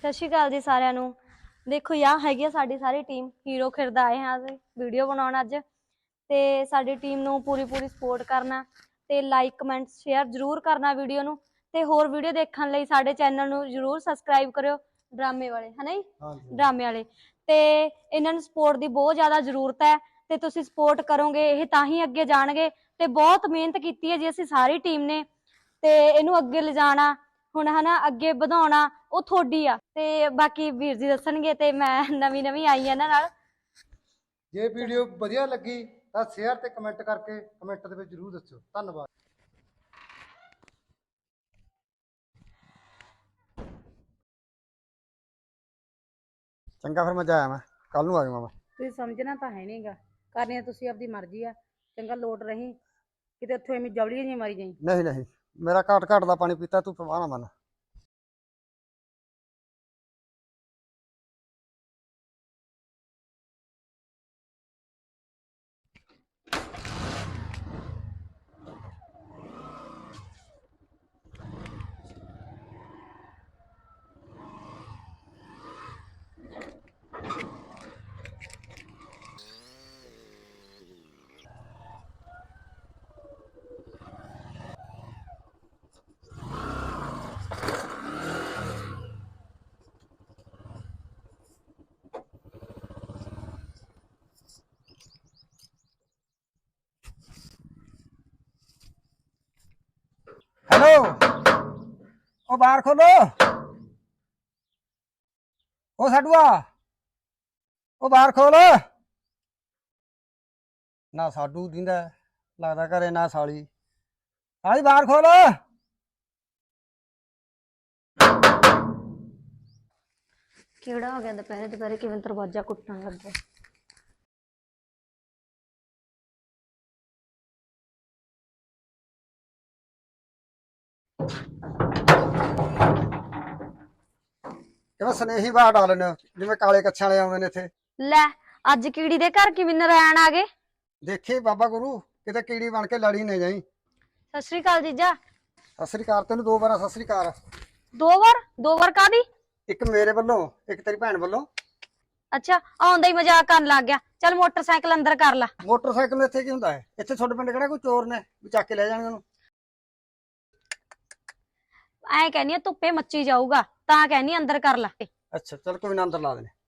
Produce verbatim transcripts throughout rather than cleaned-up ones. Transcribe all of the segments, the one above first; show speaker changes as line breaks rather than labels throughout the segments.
ਸਤਿ ਸ਼੍ਰੀ ਅਕਾਲ ਜੀ ਸਾਰਿਆਂ ਨੂੰ। ਦੇਖੋ ਯਾ ਹੈਗੀ ਆ ਸਾਡੀ ਸਾਰੀ ਟੀਮ ਹੀਰੋ ਖਿਰਦਾ ਆਏ ਹਾਂ ਅਸੀਂ ਵੀਡੀਓ ਬਣਾਉਣ ਅੱਜ। ਤੇ ਸਾਡੀ ਟੀਮ ਨੂੰ ਪੂਰੀ ਪੂਰੀ ਸਪੋਰਟ ਕਰਨਾ ਤੇ ਲਾਈਕ ਕਮੈਂਟ ਸ਼ੇਅਰ ਜ਼ਰੂਰ ਕਰਨਾ ਵੀਡੀਓ ਨੂੰ। ਤੇ ਹੋਰ ਵੀਡੀਓ ਦੇਖਣ ਲਈ ਸਾਡੇ ਚੈਨਲ ਨੂੰ ਜ਼ਰੂਰ ਸਬਸਕ੍ਰਾਈਬ ਕਰਿਓ। ਡਰਾਮੇ ਵਾਲੇ ਹੈ ਨਾ ਜੀ, ਡਰਾਮੇ ਵਾਲੇ। ਤੇ ਇਹਨਾਂ ਨੂੰ ਸਪੋਰਟ ਦੀ ਬਹੁਤ ਜ਼ਿਆਦਾ ਜ਼ਰੂਰਤ ਹੈ ਤੇ ਤੁਸੀਂ ਸਪੋਰਟ ਕਰੋਗੇ ਇਹ ਤਾਂ ਹੀ ਅੱਗੇ ਜਾਣਗੇ। ਤੇ ਬਹੁਤ ਮਿਹਨਤ ਕੀਤੀ ਹੈ ਜੀ ਅਸੀਂ ਸਾਰੀ ਟੀਮ ਨੇ ਤੇ ਇਹਨੂੰ ਅੱਗੇ ਲਿਜਾਣਾ ਹੁਣ ਹੈ ਨਾ, ਅੱਗੇ ਵਧਾਉਣਾ ਉਹ ਤੁਹਾਡੀ ਆ। ਤੇ ਬਾਕੀ ਵੀਰ ਜੀ ਦੱਸਣਗੇ ਤੇ ਮੈਂ ਨਵੀਂ ਨਵੀਂ ਆਈ ਆ ਇਹਨਾਂ ਨਾਲ।
ਜੇ ਵੀਡੀਓ ਵਧੀਆ ਲੱਗੀ ਤਾਂ ਸ਼ੇਅਰ ਤੇ ਕਮੈਂਟ ਕਰਕੇ ਕਮੈਂਟ ਦੇ ਵਿੱਚ ਜ਼ਰੂਰ ਦੱਸਿਓ। ਧੰਨਵਾਦ। ਚੰਗਾ ਫਿਰ ਮੈਂ ਜਾਇਆ, ਮੈਂ ਕੱਲ ਨੂੰ ਆ ਜਾਵਾਂ। ਮੈਂ
ਤੁਸੀਂ ਸਮਝਣਾ ਤਾਂ ਹੈ ਨਹੀਂਗਾ, ਕਰਨੀ ਤੁਸੀਂ ਆਪਦੀ ਮਰਜ਼ੀ ਆ। ਚੰਗਾ ਲੋਟ ਰਹੀ ਕਿਤੇ ਉੱਥੋਂ ਐਵੇਂ ਜਵਲੀਆਂ ਨਹੀਂ ਮਾਰੀ ਜਾਈ।
ਨਹੀਂ ਨਹੀਂ, ਮੇਰਾ ਘਾਟ ਘਾਟ ਦਾ ਪਾਣੀ ਪੀਤਾ, ਤੂੰ ਪਰਵਾਹ ਨਾ ਮੰਨ। हेलो, ओ बाहर खोलो। ओ साडूआ, ओ बाहर खोल। ना साडू दिंदा लगदा घरे, ना साली। साली बाहर खोल।
ਕਿਹੜਾ ਹੋ ਗਿਆ ਦੁਪਹਿਰੇ ਦੁਪਹਿਰੇ ਕਿਵੇਂ ਦਰਵਾਜ਼ਾ ਕੁੱਟਣ ਲੱਗਾ।
ਕਿਵੇਂ ਸਨੇਹੀ ਬਾਹਰ ਡਾਲ ਲੈਣੇ ਜਿਵੇਂ ਕਾਲੇ ਕੱਛਾਂ ਵਾਲੇ ਆਉਂਦੇ ਨੇ ਇੱਥੇ।
ਲੈ ਅੱਜ ਕੀੜੀ ਦੇ ਘਰ ਕਿਵੇਂ ਨਰਾਇਣ ਆ ਗਏ।
ਦੇਖੀ ਬਾਬਾ ਗੁਰੂ ਕਿਤੇ ਕੀੜੀ ਬਣ ਕੇ ਲੜੀ ਨਾ ਜਾਈ।
ਸਤਿ ਸ਼੍ਰੀ ਅਕਾਲ ਜੀਜਾ।
ਸਤਿ ਸ੍ਰੀ ਅਕਾਲ, ਤੈਨੂੰ ਦੋ ਵਾਰਾਂ ਸਤਿ ਸ੍ਰੀ ਅਕਾਲ।
ਦੋ ਵਾਰ ਦੋ ਵਾਰ ਕਾਹਦੀ?
ਇੱਕ ਮੇਰੇ ਵੱਲੋਂ, ਇੱਕ ਤੇਰੀ ਭੈਣ ਵੱਲੋਂ।
ਅੱਛਾ ਆਉਂਦਾ ਹੀ ਮਜ਼ਾਕ ਕਰਨ ਲੱਗ ਗਿਆ। ਚੱਲ ਮੋਟਰਸਾਈਕਲ ਅੰਦਰ ਕਰ ਲਾ।
ਮੋਟਰਸਾਈਕਲ ਇੱਥੇ ਕੀ ਹੁੰਦਾ ਹੈ? ਇੱਥੇ ਤੁਹਾਡੇ ਪਿੰਡ ਕਿਹੜਾ ਕੋਈ ਚੋਰ ਨੇ ਵੀ ਚੱਕ ਕੇ ਲੈ ਜਾਣਗੇ ਉਹਨੂੰ?
ਐ ਕਹਿੰਦੀ ਆ ਧੁੱਪੇ ਮੱਚੀ ਜਾਊਗਾ ਤਾਂ ਕਹਿੰਦੀ ਅੰਦਰ ਕਰ ਲਾ।
ਅੱਛਾ ਚਲ ਕੋਈ ਨਾ, ਅੰਦਰ ਲਾ ਦੇਣੇ।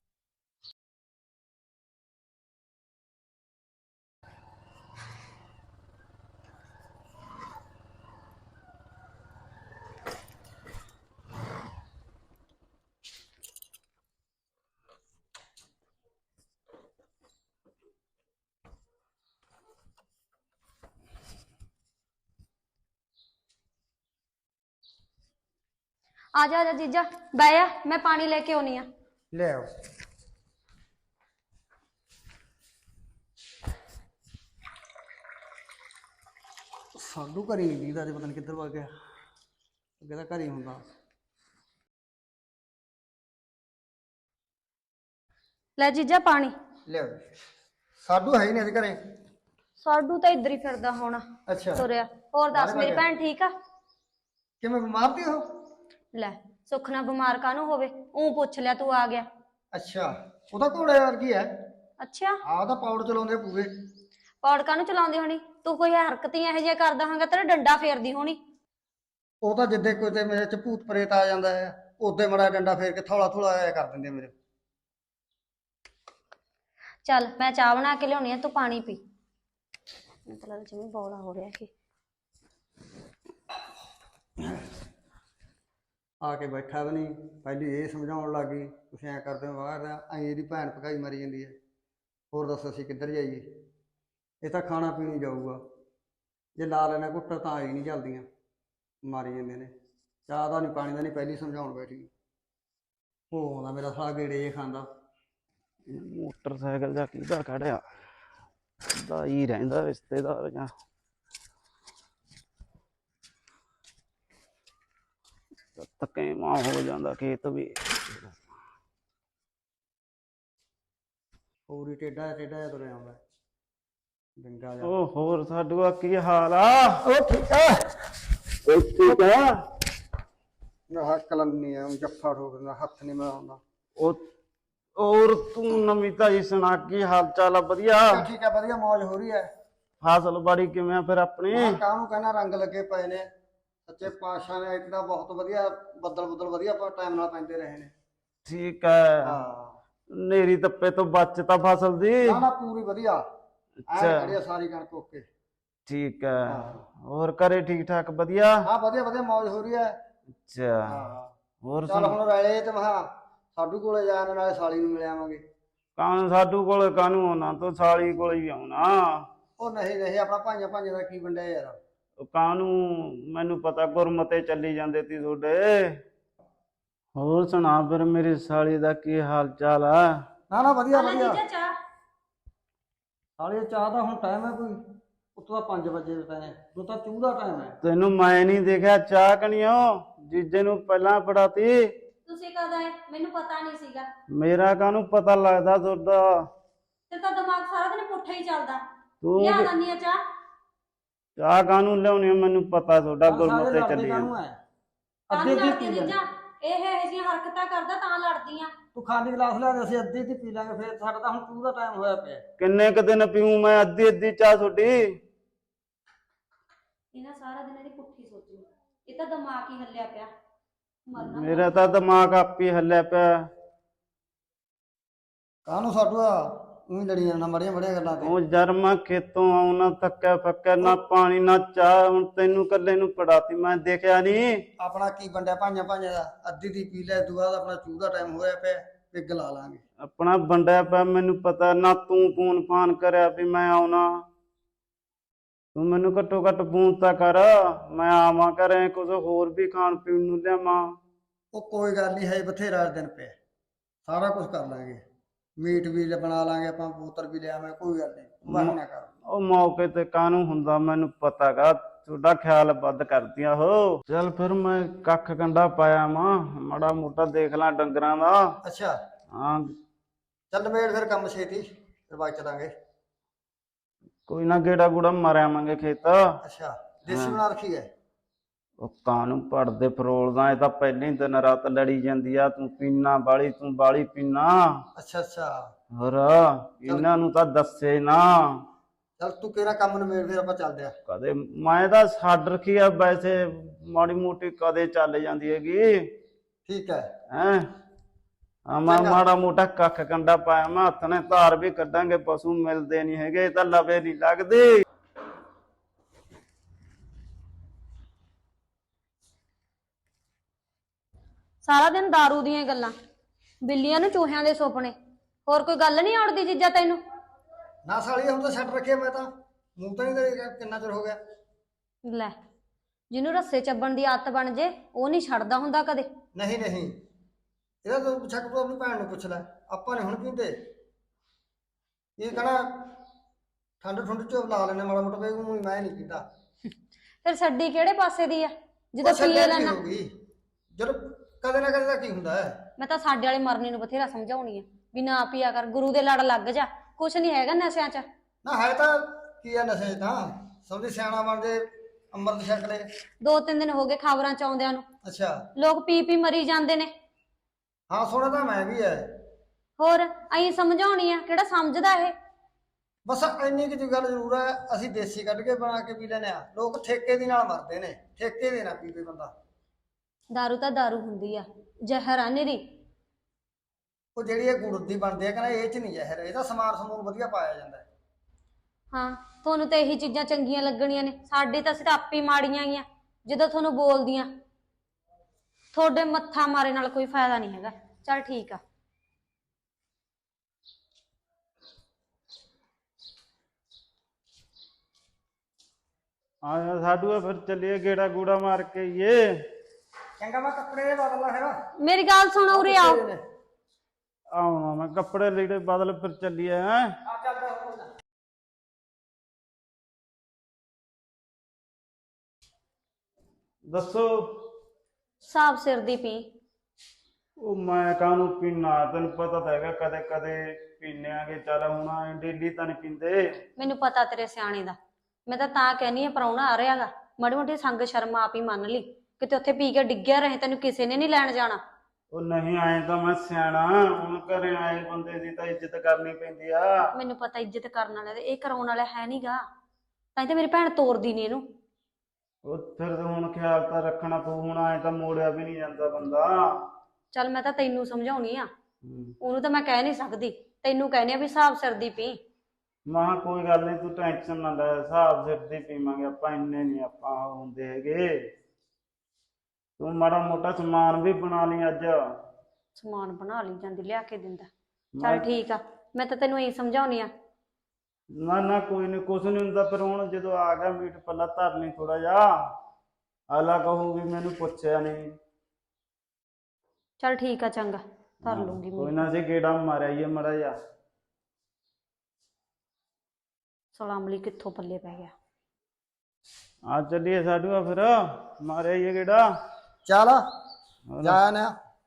ਆ ਜਾ ਆ ਜਾ ਜੀਜਾ ਬਹਿ ਜਾ, ਮੈਂ ਪਾਣੀ ਲੈ ਕੇ ਆਉਣੀ ਆ।
ਲੈ ਆਓ। ਸਾਡੂ ਘਰ ਹੀ ਨਹੀਂ ਦੀਦਾ, ਅੱਜ ਪਤਾ ਨਹੀਂ ਕਿੱਧਰ ਵਗ ਗਿਆ। ਅੱਗੇ ਤਾਂ ਘਰ ਹੀ ਹੁੰਦਾ।
ਲੈ ਜੀਜਾ ਪਾਣੀ।
ਲਿਆਓ। ਸਾਡੂ ਹੈ ਹੀ ਨਹੀਂ ਅੱਜ ਘਰੇ।
ਸਾਡੂ ਤਾਂ ਇੱਧਰ ਹੀ ਫਿਰਦਾ ਹੋਣਾ
ਅੱਛਾ
ਤੁਰਿਆ। ਹੋਰ ਦੱਸ ਮੇਰੀ ਭੈਣ ਠੀਕ ਆ?
ਕਿਵੇਂ ਬਿਮਾਰ ਤੀ ਉਹ?
ਲੈ ਸੁੱਖ ਨਾਲ ਬਿਮਾਰ ਕਾਹਨੂੰ ਹੋਵੇ, ਊਂ ਪੁੱਛ ਲਿਆ ਤੂੰ ਆ ਗਿਆ।
ਅੱਛਾ ਉਹਦਾ ਘੋੜੇ ਵਰਗੀ ਹੈ।
ਅੱਛਾ
ਆਹ ਤਾਂ ਪੌੜ ਚਲਾਉਂਦੇ ਪੂਰੇ।
ਪੌੜ ਕਾਹਨੂੰ ਚਲਾਉਂਦੀ ਹੋਣੀ? ਤੂੰ ਕੋਈ ਹਰਕਤ ਹੀ ਇਹੋ ਜਿਹਾ ਕਰਦਾ ਹੋਵੇਂਗਾ, ਤੇਰਾ ਡੰਡਾ ਫੇਰਦੀ ਹੋਣੀ।
ਉਹ ਤਾਂ ਜਿੱਦੇ ਕੋਈ ਤੇ ਮੇਰੇ ਚ ਭੂਤ ਪ੍ਰੇਤ ਆ ਜਾਂਦਾ ਹੈ ਉਦੇ ਮੜਾ ਡੰਡਾ ਫੇਰ ਕੇ ਥੋੜਾ ਥੋੜਾ ਆਇਆ ਕਰ ਦਿੰਦੇ ਮੇਰੇ।
ਚੱਲ ਮੈਂ ਚਾਹ ਬਣਾ ਕੇ ਲਿਆਉਣੀ ਆ, ਤੂੰ ਪਾਣੀ ਪੀ। ਮਤਲਬ ਜਿਵੇਂ ਬੌਲਾ ਹੋ ਰਿਹਾ ਇਹ।
ਆ ਕੇ ਬੈਠਾ ਵੀ ਨਹੀਂ, ਪਹਿਲੀ ਇਹ ਸਮਝਾਉਣ ਲੱਗ ਗਈ ਤੁਸੀਂ ਐਂ ਕਰਦੇ ਹੋ ਬਾਹਰ ਦਾ, ਐਂ ਇਹਦੀ ਭੈਣ ਭਕਾਈ ਮਰੀ ਜਾਂਦੀ ਹੈ। ਹੋਰ ਦੱਸੋ ਅਸੀਂ ਕਿੱਧਰ ਜਾਈਏ? ਇਹ ਤਾਂ ਖਾਣਾ ਪੀਣੀ ਜਾਊਗਾ, ਜੇ ਲਾ ਲੈਣਾ ਘੁੱਟ ਤਾਂ ਆਈ ਨਹੀਂ ਚੱਲਦੀਆਂ, ਮਾਰੀ ਜਾਂਦੇ ਨੇ। ਚਾਹ ਦਾ ਨਹੀਂ, ਪਾਣੀ ਦਾ ਨਹੀਂ, ਪਹਿਲੀ ਸਮਝਾਉਣ ਬੈਠੀ। ਉਹ ਆਉਂਦਾ ਮੇਰਾ ਸਾਲਾ ਗੇੜੇ ਜੇ ਖਾਂਦਾ।
ਮੋਟਰਸਾਈਕਲ ਜਾਂ ਕਿਹਦਾ ਖੜਿਆ ਦਾ ਹੀ ਰਹਿੰਦਾ ਰਿਸ਼ਤੇਦਾਰ ਜਾਂ ਤਕੇਵਾਂ ਹੋ ਜਾਂਦਾ ਖੇਤ ਵੀ।
ਪੂਰੀ ਟੇਡਾ ਟੇਡਾ ਤੁਰਿਆ ਆਉਂਦਾ ਡੰਗਾ ਜਾ।
ਉਹ ਹੋਰ ਸਾਡੂਆ ਕੀ ਹਾਲ ਆ?
ਉਹ ਠੀਕ ਆ।
ਠੀਕ ਆ।
ਨਾ ਕਲੰਨੀ ਆ ਜੱਫਾ ਠੋਕਦਾ ਹੱਥ ਨਹੀਂ ਮਿਲਾਉਂਦਾ।
ਉਹ ਹੋਰ ਤੂੰ ਨਵੀਂ ਤਾਜੀ ਸੁਣਾ, ਕੀ ਹਾਲ ਚਾਲ ਆ? ਵਧੀਆ।
ਠੀਕ ਹੈ ਵਧੀਆ, ਮੌਜ ਹੋ ਰਹੀ ਹੈ।
ਫਸਲ ਬਾੜੀ ਕਿਵੇਂ ਆ ਫਿਰ ਆਪਣੀ?
ਕਾਹਨੂੰ ਕਹਿਣਾ, ਰੰਗ ਲੱਗੇ ਪਏ ਨੇ ਸੱਚੇ ਪਾਤਸ਼ਾਹ ਨੇ, ਇੱਕ ਤਾਂ ਬਹੁਤ ਵਧੀਆ ਬੱਦਲ ਬੁੱਦਲ ਵਧੀਆ ਟਾਈਮ ਨਾਲ ਪੈਂਦੇ ਰਹੇ ਨੇ।
ਠੀਕ ਹੈ।
ਹਾਂ
ਨੇਰੀ ਤੱਪੇ ਤੋਂ ਬਚਤਾ ਫਸਲ ਦੀ?
ਨਾ ਨਾ ਪੂਰੀ ਵਧੀਆ,
ਅੱਛਾ
ਐਨ ਖੜੀ ਆ ਸਾਰੀ ਕਣਕ ਓਕੇ।
ਠੀਕ ਹੈ। ਹੋਰ ਘਰੇ ਠੀਕ ਠਾਕ ਵਧੀਆ?
ਹਾਂ ਵਧੀਆ ਵਧੀਆ, ਮੌਜ ਹੋ ਰਹੀ ਹੈ।
ਅੱਛਾ
ਹਾਂ
ਹੋਰ
ਚੱਲ ਹੁਣ ਰਲੇ ਤੇ ਮਹਾ ਸਾਡੂ ਕੋਲੇ ਜਾਣ, ਨਾਲੇ ਸਾਲੀ ਨੂੰ ਮਿਲ ਆਵਾਂਗੇ।
ਕਾਹਨੂੰ ਸਾਡੂ ਕੋਲੇ ਕਾਹਨੂੰ ਆਉਣਾ, ਤੂੰ ਸਾਲੀ ਕੋਲੇ ਹੀ ਆਉਣਾ।
ਉਹ ਨਹੀਂ ਨਹੀਂ, ਆਪਣਾ ਭਾਈਆਂ ਭਾਈਆਂ ਦਾ ਕੀ ਵੰਡਿਆ ਯਾਰ।
ਕਾਹਨੂੰ, ਮੈਨੂੰ ਪਤਾ ਗੁਰਮਤੇ ਚੱਲੀ ਜਾਂਦੇ ਤੀ ਤੁਹਾਡੇ। ਹੋਰ ਸੁਣਾ ਫਿਰ ਮੇਰੀ ਸਾਲੀ ਦਾ ਕੀ ਹਾਲ ਚਾਲ ਆ?
ਨਾ ਨਾ ਵਧੀਆ ਵਧੀਆ।
ਜੀਜਾ ਚਾਹ।
ਸਾਲੇ ਚਾਹ ਦਾ ਹੁਣ ਟਾਈਮ ਹੈ ਕੋਈ, ਉੱਤੋਂ ਦਾ ਪੰਜ ਵਜੇ ਦੇ ਟਾਈਮ, ਦੋ ਤਾਂ ਚੂਹ ਦਾ ਟਾਈਮ ਹੈ।
ਤੈਨੂੰ ਮੈਂ ਨਹੀਂ ਦੇਖਿਆ ਚਾਹ ਕਣੀਓ, ਜੀਜੇ ਨੂੰ ਪਹਿਲਾਂ ਫੜਾਤੀ।
ਤੁਸੀਂ ਕਦ ਆਏ? ਮੈਨੂੰ ਪਤਾ ਨਹੀਂ ਸੀਗਾ।
ਮੇਰਾ ਕਾਹਨੂੰ ਪਤਾ ਲੱਗਦਾ ਤੁਹਾਡਾ?
ਤੇ ਤਾਂ ਦਿਮਾਗ ਸਾਰਾ ਦਿਨ ਪੁੱਠਾ ਹੀ ਚੱਲਦਾ।
ਤੂੰ
ਲਿਆ ਦਿੰਦੀ ਆ ਚਾਹ।
ਚਾਹ ਕਾਹਨੂੰ ਲਿਆਉਣੀ ਆ? ਮੈਨੂੰ ਪਤਾ ਤੁਹਾਡਾ ਗੁਰਮਤੇ ਚੱਲੀ
ਕਾਹਨੂੰ
ਜਾਂਦਾ।
ਹੈ
ਤਾਂ
ਅੱਧੇ ਦੀ
ਲੜਦੀ
ਪੀ
ਜੀਜਾ,
ਲੈ,
ਇਹ ਇਹੋ ਜਿਹੀਆਂ ਹਰਕਤਾਂ ਕਰਦਾ ਤਾਂ ਲੜਦੀ ਆ।
ਤੂੰ ਖਾਲੀ ਗਲਾਸ ਲਿਆ ਦੇ, ਅਸੀਂ ਅੱਧੀ ਦੀ ਪੀ ਲਾਂਗੇ, ਫਿਰ ਸਾਡਾ ਤਾਂ ਹੁਣ ਚੂਹ ਦਾ ਟਾਈਮ ਹੋਇਆ ਪਿਆ।
ਕਿੰਨੇ ਕ ਦਿਨ ਪੀਊ ਮੈਂ ਅੱਧੀ ਅੱਧੀ ਚਾਹ ਤੁਹਾਡੀ?
ਇਹਨਾਂ ਸਾਰਾ ਦਿਨ ਇਹਦੀ ਪੁੱਠੀ ਸੋਚੀ, ਇਹ ਤਾਂ ਦਿਮਾਗ ਹੀ ਹੱਲਿਆ ਪਿਆ। ਮਰਨਾ
ਮੇਰਾ ਤਾਂ ਦਿਮਾਗ ਆਪੇ ਹੱਲਿਆ ਪਿਆ।
ਕਾਹਨੂੰ ਸਾਡੂ ਉਹੀ ਲੜੀ ਜਾਂਦਾ ਮੜੀਆਂ ਮੜੀਆਂ ਗੱਲਾਂ ਤੇ।
ਉਹ ਜਰਮਾ ਖੇਤੋਂ ਆਉਣਾ ਥੱਕਿਆ ਫੱਕਿਆ, ਨਾ ਪਾਣੀ ਨਾ ਚਾਹ, ਹੁਣ ਤੈਨੂੰ ਕੱਲੇ ਨੂੰ ਫੜਾਤੀ, ਮੈਂ ਦੇਖਿਆ ਨਹੀਂ।
ਆਪਣਾ ਕੀ ਵੰਡਿਆ ਭਾਈਆਂ ਭਾਈਆਂ ਦਾ, ਅੱਧੀ ਦੀ ਪੀ ਲੈ, ਦੂਆ ਦਾ ਆਪਣਾ ਚੂਹ ਦਾ ਟਾਈਮ ਹੋਇਆ ਪਿਆ, ਪਿੱਗ ਲਾ ਲਾਂਗੇ।
ਆਪਣਾ ਵੰਡਿਆ ਪਿਆ ਮੈਨੂੰ ਪਤਾ, ਨਾ ਤੂੰ ਫੋਨ ਫਾਨ ਕਰਿਆ ਵੀ ਮੈਂ ਆਉਣਾ। ਤੂੰ ਮੈਨੂੰ ਘੱਟੋ ਘੱਟ ਫੋਨ ਤਾਂ ਕਰ, ਮੈਂ ਆਵਾਂ ਘਰੇ, ਕੁਝ ਹੋਰ ਵੀ ਖਾਣ ਪੀਣ ਨੂੰ ਲਿਆਵਾਂ।
ਉਹ ਕੋਈ ਗੱਲ ਨਹੀਂ ਹੈ, ਬਥੇਰਾ ਦਿਨ ਪਿਆ, ਸਾਰਾ ਕੁਝ ਕਰ ਲਾਂਗੇ। ਮੀਟ ਵੀ ਬਣਾ ਲਾਂਗੇ ਆਪਾਂ, ਬੋਤਲ ਵੀ ਲਿਆਵਾਂਗੇ, ਕੋਈ ਗੱਲ ਨਹੀਂ, ਤੂੰ ਨਾ ਕਰ।
ਉਹ ਮੌਕੇ ਤੇ ਕਾਹਨੂੰ ਹੁੰਦਾ, ਮੈਨੂੰ ਪਤਾਗਾ ਤੁਹਾਡਾ ਖਿਆਲ ਵੱਧ ਕਰਦੀਆਂ ਹੋ। ਚੱਲ ਫਿਰ ਮੈਂ ਕੱਖ ਕੰਡਾ ਪਾਇਆ ਮਾਂ, ਮਾੜਾ ਮੋਟਾ ਦੇਖ ਲਾਂ ਡੰਗਰਾਂ ਦਾ।
ਅੱਛਾ
ਹਾਂ
ਚੱਲ ਮੇੜ ਫਿਰ ਕੰਮ ਛੇਤੀ, ਫਿਰ ਬਾਅਦ ਚਲਾਂਗੇ।
ਕੋਈ ਨਾ ਗੇੜਾ ਗੂੜਾ ਮਾਰ ਆਵਾਂਗੇ ਖੇਤ।
ਅੱਛਾ ਦੇਸੀ ਬਣਾ ਰੱਖੀ ਹੈ?
ਉਹ ਕਾਹਨੂੰ ਪੜਦੇ ਫਰੋਲਦਾ, ਇਹ ਤਾਂ ਪਹਿਲੇ ਹੀ ਦਿਨ ਰਾਤ ਲੜੀ ਜਾਂਦੀ ਆ, ਤੂੰ ਪੀਨਾ ਬਾਲੀ, ਤੂੰ ਬਾਲੀ ਪੀਨਾ।
ਅੱਛਾ ਅੱਛਾ
ਹੋਰ ਇਹਨਾਂ ਨੂੰ ਤਾਂ ਦੱਸੇ ਨਾ।
ਚੱਲ ਤੂੰ ਕਿਹੜਾ ਕੰਮ ਨੂੰ ਮੇੜ, ਫਿਰ ਆਪਾਂ ਚੱਲਦੇ ਆ।
ਕਦੇ ਮੈਂ ਤਾਂ ਛੱਡ ਰੱਖੀ ਆ, ਵੈਸੇ ਮਾੜੀ ਮੋਟੀ ਕਦੇ ਚੱਲ ਜਾਂਦੀ ਹੈਗੀ।
ਠੀਕ ਹੈ
ਹੈਂ ਆ ਮੈਂ ਮਾੜਾ ਮੋਟਾ ਕੱਖ ਕੰਡਾ ਪਾਇਆ, ਮੈਂ ਹੱਥ ਨੇ ਧਾਰ ਵੀ ਕੱਢਾਂਗੇ, ਪਸ਼ੂ ਮਿਲਦੇ ਨਹੀਂ ਹੈਗੇ, ਤਾਂ ਲਵੇ ਨਹੀਂ ਲੱਗਦੇ।
ਸਾਰਾ ਦਿਨ ਦਾਰੂ ਦੀਆਂ ਗੱਲਾਂ, ਬਿੱਲੀਆਂ ਨੂੰ ਚੂਹਿਆਂ ਦੇ ਸੁਪਨੇ, ਹੋਰ ਕੋਈ ਗੱਲ ਨਹੀਂ ਆਉੜਦੀ ਜੀਜਾ ਤੈਨੂੰ?
ਨਾ ਸਾਲੀ ਹੁਣ ਤਾਂ ਛੱਡ ਰੱਖਿਆ ਮੈਂ ਤਾਂ, ਮੂੰਹ ਤਾਂ ਨਹੀਂ ਦੇਖਿਆ ਕਿੰਨਾ ਚਿਰ ਹੋ ਗਿਆ।
ਲੈ, ਜਿਹਨੂੰ ਰੱਸੇ ਚੱਬਣ ਦੀ ਆਦਤ ਬਣ ਜੇ ਉਹ ਨਹੀਂ ਛੱਡਦਾ ਹੁੰਦਾ ਕਦੇ।
ਨਹੀਂ ਨਹੀਂ, ਇਹਦਾ ਤੂੰ ਪੁੱਛਾ ਤੂੰ ਆਪਣੀ ਭੈਣ ਨੂੰ ਪੁੱਛ ਲੈ, ਆਪਾਂ ਨੇ ਹੁਣ ਪੀਂਦੇ। ਇਹ ਕਹਣਾ ਠੰਡ ਠੁੰਡ ਚ ਲਾ ਲੈਣੇ ਮਾੜਾ ਮੋਟਾ, ਵੇ ਮੈਂ ਨਹੀਂ ਪੀਂਦਾ।
ਫਿਰ ਛੱਡੀ ਕਿਹੜੇ ਪਾਸੇ ਦੀ ਆ ਜਦੋਂ ਪੀ ਲੈਣਾ?
ਜਦੋਂ ਕਦੇ ਨਾ ਕਦੇ ਤਾਂ ਕੀ ਹੁੰਦਾ ਹੈ।
ਮੈਂ ਤਾਂ ਸਾਡੇ ਵਾਲੇ ਮਰਨੇ ਨੂੰ ਬਥੇਰਾ ਸਮਝਾਉਣੀ ਆ ਵੀ ਨਾ ਪੀਆ ਕਰ, ਗੁਰੂ ਦੇ ਲੜ ਲੱਗ ਜਾ, ਕੁਛ ਨਹੀਂ ਹੈਗਾ ਨਸ਼ਿਆਂ 'ਚ।
ਨਾ ਹੈ ਤਾਂ ਕੀ ਆ ਨਸ਼ੇ ਤਾਂ, ਸਮਝੀ ਸਿਆਣਾ ਬਣ ਜੇ, ਅੰਮ੍ਰਿਤ ਛਕ ਲੈ।
ਦੋ ਤਿੰਨ ਦਿਨ ਹੋ ਗਏ ਖਬਰਾਂ 'ਚ ਆਉਂਦਿਆਂ ਨੂੰ,
ਅੱਛਾ
ਲੋਕ ਪੀ ਪੀ ਮਰੀ ਜਾਂਦੇ ਨੇ।
ਹਾਂ ਸੁਣਿਆ ਤਾਂ ਮੈਂ ਵੀ ਹੈ।
ਹੋਰ ਅਸੀਂ ਸਮਝਾਉਣੀ ਆ, ਕਿਹੜਾ ਸਮਝਦਾ ਇਹ?
ਬਸ ਇੰਨੀ ਕੁ ਗੱਲ ਜ਼ਰੂਰ ਹੈ, ਅਸੀਂ ਦੇਸੀ ਕੱਢ ਕੇ ਬਣਾ ਕੇ ਪੀ ਲੈਨੇ ਆ, ਲੋਕ ਠੇਕੇ ਦੀ ਨਾਲ ਮਰਦੇ ਨੇ, ਠੇਕੇ ਦੇ ਨਾ ਪੀਵੇ ਬੰਦਾ।
ਦਾਰੂ ਤਾਂ ਦਾਰੂ ਹੁੰਦੀ ਆ, ਜ਼ਹਿਰ ਆ ਨਿਰੀ।
ਉਹ ਜਿਹੜੀ ਇਹ ਗੁੜ ਦੀ ਬਣਦੀ ਹੈ, ਕਹਿੰਦਾ ਇਹ ਚ ਨਹੀਂ ਜ਼ਹਿਰ, ਇਹਦਾ ਸਮਾਨ ਸਮੂਨ ਵਧੀਆ ਪਾਇਆ ਜਾਂਦਾ ਹੈ।
ਹਾਂ ਤੁਹਾਨੂੰ ਤਾਂ ਇਹੀ ਚੀਜ਼ਾਂ ਚੰਗੀਆਂ ਲੱਗਣੀਆਂ ਨੇ, ਸਾਡੇ ਤਾਂ ਅਸੀਂ ਤਾਂ ਆਪੇ ਮਾੜੀਆਂ ਗੀਆਂ ਜਦੋਂ ਤੁਹਾਨੂੰ ਬੋਲਦੀਆਂ। ਤੁਹਾਡੇ ਮੱਥਾ ਮਾਰੇ ਨਾਲ ਕੋਈ ਫਾਇਦਾ ਨਹੀਂ ਹੈਗਾ। ਚੱਲ ਠੀਕ ਆ।
ਆਇਆ ਸਾਡੂ ਫਿਰ ਚੱਲੀਏ ਗੇੜਾ ਗੂੜਾ ਮਾਰ ਕੇ ਆਈਏ।
ਚੰਗਾ ਮੈਂ ਕੱਪੜੇ ਦੇ ਬਦਲ ਲਾ ਫਿਰ।
ਮੇਰੀ ਗੱਲ ਸੁਣੋ, ਉਰੇ ਆਓ।
ਆਉਣਾ ਮੈਂ ਕੱਪੜੇ ਲੀੜੇ ਬਦਲ, ਫਿਰ ਚੱਲੀਏ। ਹੈਂ
ਆ ਚੱਲਦਾ
ਦੱਸੋ।
ਸਾਬ ਸਿਰ ਦੀ ਪੀ।
ਉਹ ਮੈਂ ਕਾਹਨੂੰ ਪੀਣਾ, ਤੈਨੂੰ ਪਤਾ ਤਾਂ ਹੈਗਾ ਕਦੇ ਕਦੇ ਪੀਨੇ ਆਗੇ, ਚੱਲ ਹੁਣ ਡੇਲੀ ਤਾਂ ਨਹੀਂ ਪੀਂਦੇ।
ਮੈਨੂੰ ਪਤਾ ਤੇਰੇ ਸਿਆਣੇ ਦਾ, ਮੈਂ ਤਾਂ ਤਾਂ ਕਹਿਨੀ ਆ ਪ੍ਰਾਹੁਣਾ ਆ ਰਿਹਾਗਾ, ਮਾੜੀ ਮੋਟੀ ਸੰਗ ਸ਼ਰਮ ਆਪ ਹੀ ਮੰਨ ਲਈ,
ਕਿਤੇ ਉੱਥੇ ਪੀ ਕੇ ਡਿੱਗਿਆ ਰਹੇ, ਤੈਨੂੰ ਕਿਸੇ ਨੇ ਨਹੀਂ ਲੈਣ ਜਾਣਾ।
ਉਹ ਨਹੀਂ ਆਏ ਤਾਂ ਮੈਂ ਸਿਆਣਾ, ਹੁਣ ਘਰੇ ਆਏ ਬੰਦੇ ਦੀ ਤਾਂ ਇੱਜ਼ਤ ਕਰਨੀ ਪੈਂਦੀ ਆ।
ਮੈਨੂੰ ਪਤਾ ਇੱਜ਼ਤ ਕਰਨ ਵਾਲਾ ਤੇ ਇਹ ਕਰਾਉਣ ਵਾਲਾ ਹੈ ਨਹੀਂਗਾ, ਤਾਂ ਹੀ ਤਾਂ ਮੇਰੀ ਭੈਣ ਤੋਰਦੀ ਨਹੀਂ ਇਹਨੂੰ।
ਉਹ ਫਿਰ ਹੁਣ ਖਿਆਲ ਤਾਂ ਰੱਖਣਾ ਪਊ, ਹੁਣ ਆਏ ਤਾਂ ਮੋੜਿਆ ਵੀ ਨਹੀਂ ਜਾਂਦਾ ਬੰਦਾ।
ਚੱਲ ਮੈਂ ਤਾਂ ਤੈਨੂੰ ਸਮਝਾਉਣੀ ਆ,
ਹੂੰ।
ਉਹਨੂੰ ਤਾਂ ਮੈਂ ਕਹਿ ਨਹੀਂ ਸਕਦੀ, ਤੈਨੂੰ ਕਹਿੰਦੀ ਆ ਵੀ ਹਿਸਾਬ ਸਿਰ ਦੀ ਪੀ।
ਮੈਂ ਕਿਹਾ ਕੋਈ ਗੱਲ ਨਹੀਂ, ਤੂੰ ਟੈਨਸ਼ਨ ਨਾ ਲੈ, ਹਿਸਾਬ ਸਿਰ ਦੀ ਪੀਵਾਂਗੇ ਆਪਾਂ, ਇੰਨੇ ਨਹੀਂ ਆਪਾਂ ਹੁੰਦੇ ਹੈਗੇ। ਤੂੰ ਮਾੜਾ ਮੋਟਾ ਸਮਾਨ ਵੀ ਬਣਾ ਲਈ ਅੱਜ।
ਸਮਾਨ ਬਣਾ ਲਈ ਜਾਂਦੀ, ਲਿਆ ਕੇ ਦਿੰਦਾ। ਚੱਲ
ਮੈਂ-
ਠੀਕ ਆ, ਮੈਂ ਤਾਂ ਤੈਨੂੰ ਇਹੀ ਸਮਝਾਉਣੀ ਆ।
ਨਾ ਨਾ ਕੋਈ ਨਹੀਂ, ਕੁਛ ਨਹੀਂ ਹੁੰਦਾ। ਪਰ ਹੁਣ ਜਦੋਂ ਆ ਗਿਆ ਮੀਟ ਪੱਲਾ ਧਰ ਲਈ ਥੋੜਾ ਜਿਹਾ, ਅਗਲਾ ਕਹੂ ਵੀ ਮੈਨੂੰ ਪੁੱਛਿਆ ਨਹੀਂ।
ਚੱਲ ਠੀਕ ਆ, ਚੰਗਾ ਧਰ ਲੂੰਗੀ
ਕੋਈ
ਮੈਂ।
ਨਾ, ਜੇ ਗੇੜਾ ਮਾਰਿਆ ਹੀ ਮੜਾ ਜਾ।
ਸਲਾਮਲੀ ਕਿੱਥੋਂ ਪੱਲੇ ਪੈ ਗਿਆ।
ਆ ਚੱਲੀਏ ਸਾਡੂਆ, ਫਿਰ ਮਾਰਿਆ ਹੀ ਗੇੜਾ।
ਚੱਲ ਜਾਇਆ ਨਾ,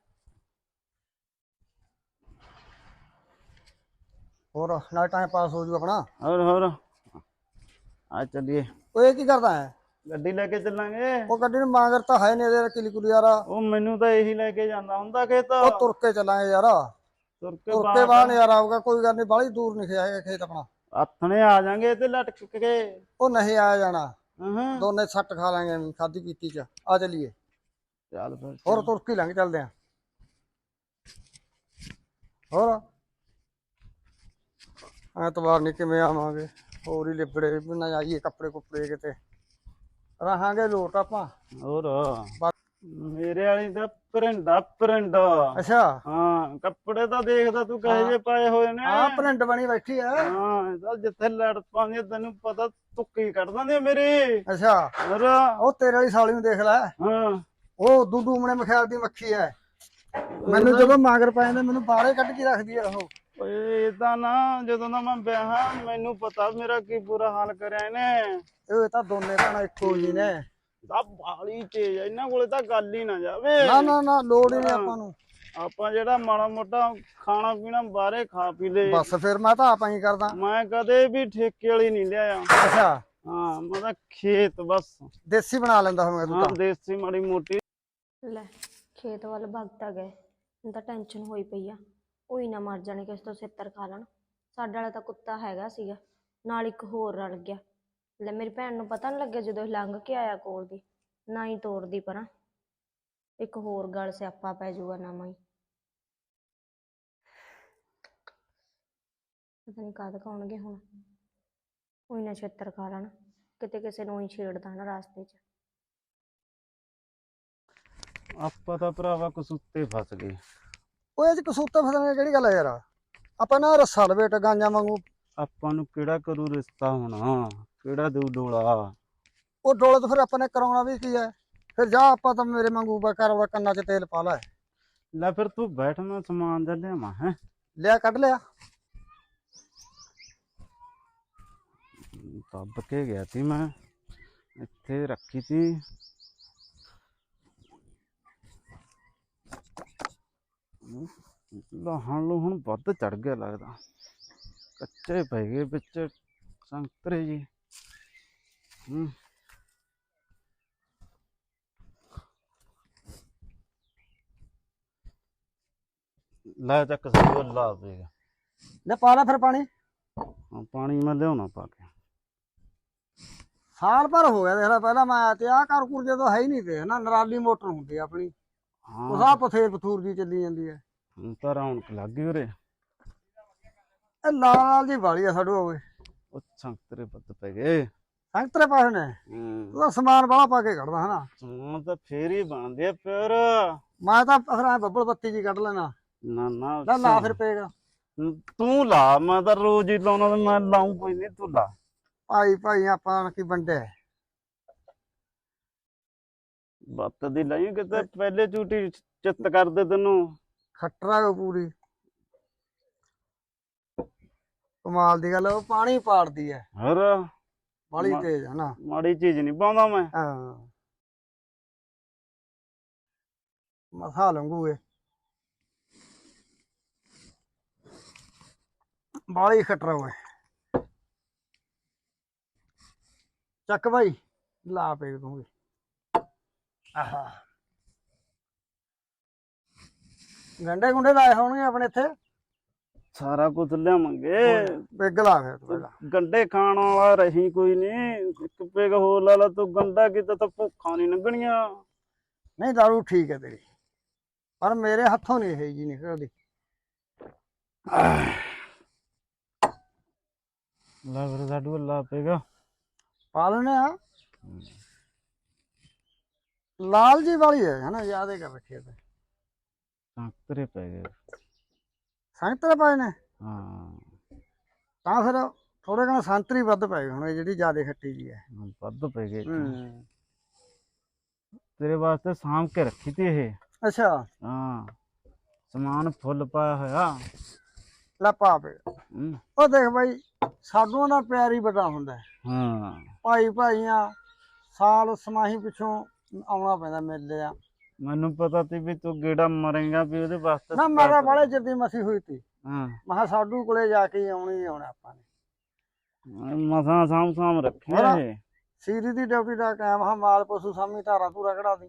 ਹੋਰ ਨਾਲ ਟਾਈਮ ਪਾਸ ਹੋ ਜੂ ਆਪਣਾ।
ਹੋਰ ਹੋਰ ਆ ਚੱਲੀਏ,
ਓਏ ਕੀ ਕਰਦਾ ਹੈ?
ਗੱਡੀ ਲੈ ਕੇ ਚੱਲਾਂਗੇ।
ਉਹ ਗੱਡੀ ਨੂੰ ਮਾਂਗਰ ਤਾਂ ਹੈ ਨਹੀਂ ਇਹਦੇ ਕਿਲੀ ਕੁਲੀ ਯਾਰ।
ਉਹ ਮੈਨੂੰ ਤਾਂ ਇਹੀ ਲੈ ਕੇ ਜਾਂਦਾ ਹੁੰਦਾ ਖੇਤ।
ਉਹ ਤੁਰ ਕੇ ਚੱਲਾਂਗੇ ਯਾਰ,
ਤੁਰ ਕੇ
ਤੁਰ ਕੇ
ਬਾਹਰ
ਬਾਹਰ ਨਜ਼ਾਰਾ ਆਊਗਾ। ਕੋਈ ਗੱਲ ਨਹੀਂ, ਬਾਹਲੀ ਦੂਰ ਨਹੀਂ ਖਿਆਏਗਾ ਖੇਤ ਆਪਣਾ।
ਆਥਣੇ ਆ ਜਾਾਂਗੇ ਤੇ ਲਟਕ ਕੇ।
ਉਹ ਨਹੀਂ ਆਇਆ ਜਾਣਾ,
ਹਾਂ
ਦੋਨੇ ਸੱਟ ਖਾ ਲਾਂਗੇ ਖਾਦੀ ਪੀਤੀ ਚ। ਆ ਚੱਲੀਏ,
ਚੱਲ ਫਿਰ।
ਹੋਰ ਤੁਰ ਕੇ ਲੰਘ ਚੱਲਦੇ ਆ। ਹੋਰ ਐਤਵਾਰ ਨਹੀਂ ਕਿਵੇਂ ਆਵਾਂਗੇ, ਹੋਰ ਹੀ ਲਿਬੜੇ ਵੀ ਨਾ ਜਾਈਏ, ਕੱਪੜੇ ਕੁੱਪੜੇ ਕਿਤੇ ਰਹਾਂਗੇ ਲੋਟ ਆਪਾਂ।
ਹੋਰ ਮੇਰੇ ਵਾਲੀ ਦਾ ਪਰਿੰਦਾ ਪਰਿੰਦਾ।
ਅੱਛਾ
ਹਾਂ, ਕੱਪੜੇ ਤਾਂ ਦੇਖਦਾ ਤੂੰ ਕਹੇ ਜੇ ਪਾਏ ਹੋਏ ਨੇ।
ਹਾਂ, ਪ੍ਰਿੰਟ ਬਣੀ ਬੈਠੀ ਆ।
ਹਾਂ ਚੱਲ, ਜਿੱਥੇ ਲੜ ਪਾਉਂਦੀ ਤੈਨੂੰ ਪਤਾ ਤੁੱਕੀ ਕੱਢ ਦਿੰਦੇ ਮੇਰੀ।
ਅੱਛਾ,
ਹੋਰ
ਉਹ ਤੇਰੇ ਵਾਲੀ ਸਾਲੀ ਨੂੰ ਦੇਖ ਲੈ,
ਹਾਂ,
ਉਹ ਦੂਦੂ ਮਣੇ ਮਖਿਆਲ ਦੀ ਮੱਖੀ ਐ। ਮੈਨੂੰ ਜਦੋਂ ਮਾਂਗਰ ਪੈ ਜਾਂਦੇ ਮੈਨੂੰ ਬਾਹਰੇ ਕੱਢ ਕੇ ਰੱਖਦੀ ਆ ਉਹ।
ਓਏ ਤਾਂ ਨਾ, ਜਦੋਂ ਦਾ ਮੈਂ ਵਿਆਹਾਂ ਮੈਨੂੰ ਪਤਾ ਮੇਰਾ ਕੀ ਬੁਰਾ ਹਾਲ ਕਰਿਆ ਇਹਨੇ।
ਇਹ ਤਾਂ ਦੋਨੇ ਭੈਣਾਂ ਇੱਕੋ ਜੀ ਨੇ।
ਆ ਬਾਲੀ ਤੇਜ ਆ, ਇਹਨਾਂ ਕੋਲੇ ਤਾਂ ਗੱਲ ਹੀ ਨਾ ਜਾਵੇ।
ਨਾ ਨਾ ਨਾ, ਲੋੜ ਹੀ ਨਹੀਂ ਆਪਾਂ ਨੂੰ।
ਆਪਾਂ ਜਿਹੜਾ ਮਾੜਾ ਮੋਟਾ ਖਾਣਾ ਪੀਣਾ ਬਾਹਰੇ ਖਾ ਪੀ ਲੇ।
ਬਸ ਫਿਰ ਮੈਂ ਤਾਂ ਆਪਾਂ ਹੀ ਕਰਦਾ।
ਮੈਂ ਕਦੇ ਵੀ ਠੇਕੇ ਵਾਲੀ ਨਹੀਂ ਲਿਆਇਆ।
ਅੱਛਾ,
ਹਾਂ, ਮੈਂ ਤਾਂ ਖੇਤ ਬਸ।
ਦੇਸੀ ਬਣਾ ਲੈਂਦਾ ਹੋਵੇਗਾ ਤੂੰ
ਹਾਂ,
ਤਾਂ।
ਦੇਸੀ ਮਾੜੀ ਮੋਟੀ।
ਲੈ ਖੇਤ ਵੱਲ ਭਗਤਾ ਗਏ, ਮੈਨੂੰ ਤਾਂ ਟੈਨਸ਼ਨ ਹੋਈ ਪਈ ਆ, ਉਹੀ ਨਾ ਮਰ ਜਾਣੇ ਕਿਸੇ ਤੋਂ ਛਿੱਤਰ ਖਾ ਲੈਣ। ਸਾਡੇ ਵਾਲਾ ਤਾਂ ਕੁੱਤਾ ਹੈਗਾ ਸੀਗਾ, ਨਾਲ ਇੱਕ ਹੋਰ ਰਲ ਗਿਆ। ਲੈ ਮੇਰੀ ਭੈਣ ਨੂੰ ਪਤਾ ਨੀ ਲੱਗਿਆ ਜਦੋਂ ਇਹ ਲੰਘ ਕੇ ਆਇਆ ਕੋਲ ਦੀ, ਨਾ ਹੀ ਤੋਰਦੀ ਪਰਾਂ। ਇੱਕ ਹੋਰ ਗੱਲ ਸਿਆਪਾ ਪੈ ਜਾਊਗਾ ਨਵਾਂ ਹੀ। ਪਤਾ ਨੀ ਕਦ ਖਾਉਣਗੇ ਹੁਣ, ਉਹੀ ਨਾ ਛਿੱਤਰ ਖਾ ਲੈਣ, ਕਿਤੇ ਕਿਸੇ ਨੂੰ ਹੀ ਛੇੜਦਾ ਨਾ ਰਾਸਤੇ 'ਚ।
ਆਪਾਂ ਤਾਂ ਭਰਾਵਾ ਕਸੂਤੇ ਫਸ ਗਏ।
ਓਏ ਇਹ ਚ ਕਸੂਤਾ ਫਸਣ ਦੀ ਕਿਹੜੀ ਗੱਲ ਹੈ ਯਾਰ? ਆਪਾਂ ਨਾ ਰੱਸਾ ਲਵੇਟ ਗਾਂਜਾਂ ਵਾਂਗੂ।
ਆਪਾਂ ਨੂੰ ਕਿਹੜਾ ਕਰੂ ਰਿਸ਼ਤਾ ਹੋਣਾ, ਕਿਹੜਾ ਦੂ ਡੋਲਾ।
ਉਹ ਡੋਲੇ ਤੋਂ ਫਿਰ ਆਪਾਂ ਨੇ ਕਰਾਉਣਾ ਵੀ ਕੀ ਹੈ? ਫਿਰ ਜਾ ਆਪਾਂ ਤਾਂ ਮੇਰੇ ਵਾਂਗੂ ਕਰ ਉਹਦਾ ਕੰਨਾਂ 'ਚ ਤੇਲ ਪਾ ਲੈ।
ਲੈ ਫਿਰ ਤੂੰ ਬੈਠ, ਮੈਂ ਸਮਾਨ ਜਾ ਲਿਆਵਾਂ। ਹੈ
ਲਿਆ, ਕੱਢ ਲਿਆ।
ਦੱਬ ਕੇ ਗਿਆ ਸੀ ਮੈਂ, ਇੱਥੇ ਰੱਖੀ ਸੀ। ਲਾਹਣ ਲੂਹਣ ਵੱਧ ਚੜ ਗਿਆ ਲੱਗਦਾ, ਕੱਚੇ ਪੈ ਗਏ ਵਿੱਚ ਸੰਤਰੇ ਜੀ। ਹੂੰ, ਲੈ ਚੱਕ ਸਹੀ ਲਾ ਪਏਗਾ।
ਲੈ ਪਾ ਲੈ ਫਿਰ ਪਾਣੀ।
ਹਾਂ, ਪਾਣੀ ਮੈਂ ਲਿਆਉਣਾ ਪਾ ਕੇ।
ਸਾਲ ਭਰ ਹੋ ਗਿਆ ਦੇਖ ਲੈ, ਪਹਿਲਾਂ ਮੈਂ ਆਇਆ ਤੇ ਆਹ ਘਰ ਘੁਰ ਜਦੋਂ ਹੈ ਹੀ ਨਹੀਂ ਤੇ ਨਾ, ਨਰਾਲੀ ਮੋਟਰ ਹੁੰਦੀ ਆ ਆਪਣੀ।
ਹਾਂ,
ਉਹਦਾ ਪਥੇਰ ਪਥੂਰ ਜੀ ਚੱਲੀ ਜਾਂਦੀ ਹੈ।
ਹੁਣ ਤਾਂ ਰੌਣਕ ਲੱਗ ਗਈ ਉਰੇ।
ਇਹ ਲਾਲ ਲਾਲ ਜੀ ਵਾਲੀ ਆ ਸਾਡੂ ਓਏ।
ਉਹ ਸੰਤਰੇ ਵੱਧ ਪੈ ਗਏ।
ਸੰਗਤਰੇ ਪਾਸੇ ਨੇ,
ਹੂੰ,
ਉਹਦਾ ਸਮਾਨ ਬਾਹਲਾ ਪਾ ਕੇ ਕੱਢਦਾ ਹਨਾ।
ਹੁਣ ਤਾਂ ਫੇਰ ਹੀ ਬਣਦੇ ਆ ਪਿਓਰ।
ਮੈਂ ਤਾਂ ਫਿਰ ਐ ਬੱਬਲ ਬੱਤੀ ਜੀ ਕੱਢ ਲੈਣਾ।
ਨਾ ਨਾ,
ਲੈ ਲਾ ਫਿਰ ਪਏਗਾ।
ਤੂੰ ਲਾ, ਮੈਂ ਤਾਂ ਰੋਜ਼ ਹੀ ਲਾਉਣਾ, ਤੇ ਮੈਂ ਲਾਉਂ ਕੋਈ ਨਹੀਂ, ਤੂੰ ਲਾ।
ਭਾਈ ਭਾਈ ਆਪਾਂ ਕੀ ਵੰਡਿਆ?
ਬੱਤ ਦੀ ਲਈ ਕਿਤੇ ਪਹਿਲੇ ਝੂਟੀ ਚਿੱਤ ਕਰਦੇ ਤੈਨੂੰ।
ਖੱਟਰਾ ਉਹ ਪੂਰੀ ਕਮਾਲ ਦੀ ਗੱਲ, ਉਹ ਪਾਣੀ ਪਾੜਦੀ ਹੈ
ਹੋਰ
ਬਾਲੀ
ਮਾ-
ਤੇਜ਼ ਹੈ ਨਾ।
ਮਾੜੀ ਚੀਜ਼ ਨਹੀਂ ਪਾਉਂਦਾ ਮੈਂ।
ਹਾਂ, ਮਸਾ ਲੰਗੂ ਏ, ਬਾਲੀ ਖੱਟਰਾ ਓਏ। ਚੱਕ ਭਾਈ, ਲਾ ਪੇ ਤੂੰ ਵੀ। ਆਹਾ ਗੰਡੇ ਗੁੰਡੇ ਲਾਏ ਹੋਣਗੇ ਆਪਣੇ ਇੱਥੇ।
ਸਾਰਾ ਕੁਝ ਲਿਆਵਾਂਗੇ।
ਪਿੱਗ ਲਾ ਫਿਰ ਤੂੰ ਪਹਿਲਾਂ।
ਗੰਡੇ ਖਾਣ ਵਾਲਾ ਰਹੀ ਕੋਈ ਨਹੀਂ, ਇੱਕ ਪੈਗ ਹੋਰ ਲਾ ਲਾ ਤੂੰ। ਗੰਡਾ ਕੀਤਾ ਤਾਂ ਭੁੱਖਾਂ ਨਹੀਂ ਲੰਘਣੀਆਂ।
ਨਹੀਂ ਦਾਰੂ ਠੀਕ ਹੈ ਤੇਰੀ, ਪਰ ਮੇਰੇ ਹੱਥੋਂ ਨਹੀਂ ਇਹ ਜੀ ਨਿਕਲਦੀ।
ਲਾ ਫਿਰ ਸਾਡੂ ਲਾ ਪਏਗਾ।
ਪਾ ਲੈਣੇ ਆ। ਲਾਲ ਜੀ ਵਾਲੀ ਹੈ ਹਨਾ, ਯਾਦ ਹੀ ਕਰ ਰੱਖੀ ਤੇ।
ਸੰਤਰੇ ਪੈ ਗਏ।
ਸੰਤਰੇ ਪਾਏ ਨੇ
ਹਾਂ
ਤਾਂ ਫਿਰ ਥੋੜੇ ਘਣਾ ਸੰਤਰੀ ਵੱਧ ਪੈ ਗਏ ਹੁਣ, ਜਿਹੜੀ ਜ਼ਿਆਦਾ ਖੱਟੀ ਜੀ ਹੈ।
ਵੱਧ ਪੈ ਗਏ।
ਹੂੰ
ਤੇਰੇ ਵਾਸਤੇ ਸਾਂਭ ਕੇ ਰੱਖੀ ਤੀ ਇਹ।
ਅੱਛਾ
ਹਾਂ ਸਮਾਨ ਫੁੱਲ ਪਾਇਆ ਹੋਇਆ।
ਲੈ ਪਾ ਪੇ।
ਹੂੰ।
ਉਹ ਦੇਖ ਬਾਈ, ਸਾਡੂਆਂ ਦਾ ਪਿਆਰ ਹੀ ਬੜਾ ਹੁੰਦਾ ਹੈ।
ਹਾਂ
ਭਾਈ ਭਾਈਆਂ ਸਾਲ ਸਮਾਹੀ ਪਿੱਛੋਂ ਆਉਣਾ ਪੈਂਦਾ ਮੇਲੇ ਆ।
ਮੈਨੂੰ ਪਤਾ ਤੀ ਵੀ ਤੂੰ ਗੇੜਾ ਮਰੇਗਾ ਵੀ ਉਹਦੇ ਵਾਸਤੇ।
ਨਾ ਮੇਰਾ ਬਾਲੇ ਚਿਰ ਦੀ ਮਸੀ ਹੋਈ ਤੀ,
ਹਾਂ
ਮੈਂ ਕਿਹਾ ਸਾਡੂ ਕੋਲੇ ਜਾ ਕੇ ਹੀ ਆਉਣੀ ਹੀ ਆਉਣਾ ਆਪਾਂ ਨੇ।
ਮਸਾਂ ਸਾਂਭ ਸਾਂਭ ਰੱਖਿਆ
ਹੋਰ?
ਇਹ।
ਸੀਰੀ ਦੀ ਡਿਊਟੀ ਦਾ ਕਾਇਮ ਹਾਂ, ਮਾਲ ਪਸ਼ੂ ਸਾਮੀ ਧਾਰਾ ਧੂਰਾ ਕਢਾ ਦੀ।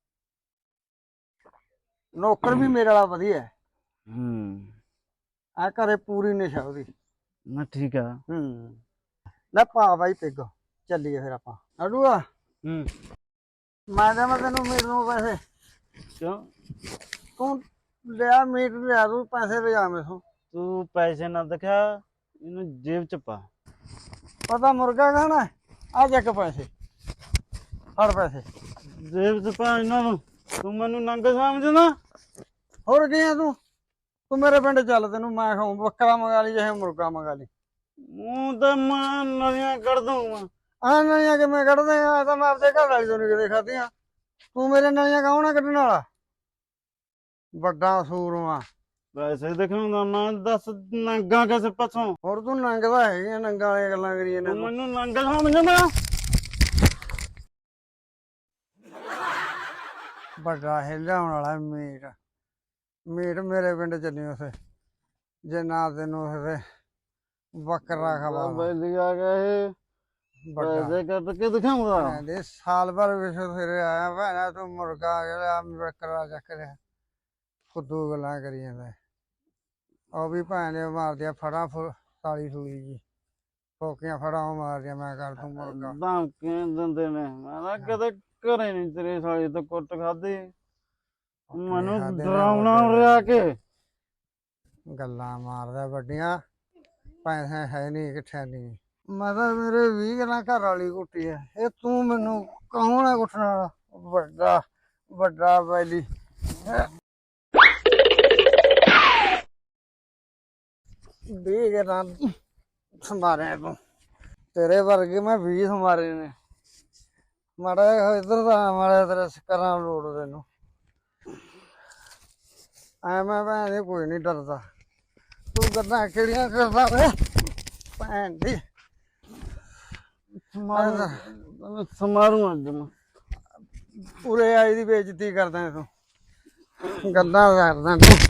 ਨੌਕਰ ਵੀ ਮੇਰੇ ਵਾਲਾ ਵਧੀਆ ਹੈ।
ਹੂੰ
ਆ ਘਰੇ ਪੂਰੀ ਨਿਸ਼ਾ ਉਹਦੀ।
ਨਾ ਠੀਕ ਆ।
ਹੂੰ ਲੈ ਪਾ ਬਾਈ ਪਿੱਗ, ਚੱਲੀਏ ਫਿਰ ਆਪਾਂ। ਅੜੂਆ
ਹੂੰ
ਮੈਂ ਦੇਵਾਂ ਤੈਨੂੰ ਮੀਟ ਨੂੰ ਪੈਸੇ?
ਕਿਉਂ?
ਤੂੰ ਲਿਆ ਮੀਟ ਲਿਆ, ਤੂੰ ਪੈਸੇ ਲਿਆ ਮੈਥੋਂ।
ਤੂੰ ਪੈਸੇ ਨਾ ਦਿਖਾ, ਇਹਨੂੰ ਜੇਬ ਚ ਪਾ।
ਪਤਾ ਮੁਰਗਾ ਖਾਣਾ? ਆ ਚੱਕ ਪੈਸੇ, ਫੜ ਪੈਸੇ।
ਜੇਬ ਚ ਪਾ ਇਹਨਾਂ ਨੂੰ। ਤੂੰ ਮੈਨੂੰ ਨੰਗ ਸਮਝਦਾ?
ਹੋਰ ਕੀ ਆ ਤੂੰ? ਤੂੰ ਮੇਰੇ ਪਿੰਡ ਚੱਲ, ਤੈਨੂੰ ਮੈਂ ਖਾਉਂ। ਬੱਕਰਾ ਮੰਗਾ ਲਈ ਚਾਹੇ ਮੁਰਗਾ ਮੰਗਾ ਲਈ।
ਮੂੰਹ ਤਾਂ ਮੈਂ ਨਲੀਆਂ ਕੱਢ ਦੂੰਗਾ।
ਆ ਨਲੀਆਂ ਕਿਵੇਂ ਕੱਢ ਦੇਗਾ? ਤਾਂ ਮੈਂ ਆਪਦੇ ਘਰ ਵਾਲੀ ਤੋਂ ਨਹੀਂ ਕਦੇ ਖਾਧੀਆਂ। ਤੂੰ ਮੇਰੇ ਨਲੀਆਂ ਕਾਹਣਾ ਕੱਢਣ ਵਾਲਾ? ਵੱਡਾ ਸੂਰਮਾ।
ਪੈਸੇ ਦਿਖਾਉਂਦਾ ਮੈਂ, ਦੱਸ ਨੰਗਾ ਕਿਸ ਪਾਸੋਂ?
ਹੋਰ ਤੂੰ ਨੰਗਦਾ ਹੈਗੀਆਂ, ਨੰਗਾਂ ਵਾਲੀਆਂ ਗੱਲਾਂ ਕਰੀ
ਤੂੰ
ਜਾਂਦਾ।
ਮੈਨੂੰ ਨੰਗ ਸਮਝਦਾ?
ਵੱਡਾ ਇਹ ਲਿਆਉਣ ਵਾਲਾ ਮੀਟ। ਮੀਟ ਮੇਰੇ ਪਿੰਡ ਚੱਲੀ ਉਸੇ, ਜੇ ਨਾ ਤੈਨੂੰ ਉਸੇ ਬੱਕਰਾ ਖਵਾ
ਬੈਲੀ ਆ ਗਿਆ ਇਹ। ਪੈਸੇ ਕੱਢ ਕੇ ਦਿਖਾਉਂਦਾ।
ਕਹਿੰਦੇ ਸਾਲ ਭਰ ਵਿਸ਼ਵ ਫਿਰੇ ਆਇਆ ਭੈਣਾ, ਤੂੰ ਮੁਰਗਾ ਜਿਹੜਾ ਬੱਕਰਾ ਚੱਕ ਲਿਆ। ਫੁੱਦੂ ਗੱਲਾਂ ਕਰੀ ਜਾਂਦਾ। ਉਹ ਵੀ ਭੈਣ ਨੇ ਮਾਰਦੀਆਂ ਫੜਾ ਫੁ ਸਾਲੀ ਸੂਲੀ ਜੀ, ਫੋਕੀਆਂ ਫੜਾ ਉਹ ਮਾਰਦੀਆਂ। ਮੈਂ ਕਰ ਤੂੰ ਮੁਰਗਾ।
ਧਮਕੀਆਂ ਦਿੰਦੇ ਨੇ। ਮੈਂ ਤਾਂ ਕਦੇ ਘਰੇ ਨੀ ਤੇਰੇ ਸਾਲੇ ਤੋਂ ਕੁੱਟ ਖਾਧੀ। ਮੈਨੂੰ
ਖਾਧੇ ਨੇ
ਡਰਾਉਣਾ
ਮੁੰਡੇ।
ਰਿਹਾ ਕੇ
ਗੱਲਾਂ ਮਾਰਦਾ ਵੱਡੀਆਂ, ਪੈਸੇ ਹੈ ਨਹੀਂ ਕਿੱਥੇ ਨਹੀਂ। ਮੈਂ ਤਾਂ ਮੇਰੇ ਵੀਹ ਗੱਲਾਂ ਘਰ ਵਾਲੀ ਕੁੱਟੀ ਹੈ। ਇਹ ਤੂੰ ਮੈਨੂੰ ਕੌਣ ਹੈ ਕੁੱਟਣ ਵਾਲਾ? ਵੱਡਾ ਵੱਡਾ ਬੈਲੀ। ਵੀਹ ਗੱਲਾਂ ਸੰਭਾਰਿਆ ਤੂੰ, ਤੇਰੇ ਵਰਗੇ ਮੈਂ ਵੀਹ ਸੰਭਾਰੇ ਨੇ। ਮਾੜਾ ਜਿਹਾ ਇੱਧਰ ਦਾ ਮਾੜਾ ਤੇਰਾ ਕਰਾਂ ਲੋੜ ਤੈਨੂੰ। ਐ ਮੈਂ ਭੈਣ ਦੀ ਕੋਈ ਨਹੀਂ ਡਰਦਾ। ਤੂੰ ਗੱਲਾਂ ਕਿਹੜੀਆਂ ਕਰਦਾ ਵੇ ਭੈਣ ਦੀ?
ਸਮਾਰੂ ਅੱਜ ਮੈਂ।
ਪੂਰੇ ਆਈ ਦੀ ਬੇਇੱਜ਼ਤੀ ਕਰਦਾ ਤੂੰ, ਗੱਲਾਂ ਕਰਦਾ ਤੂੰ।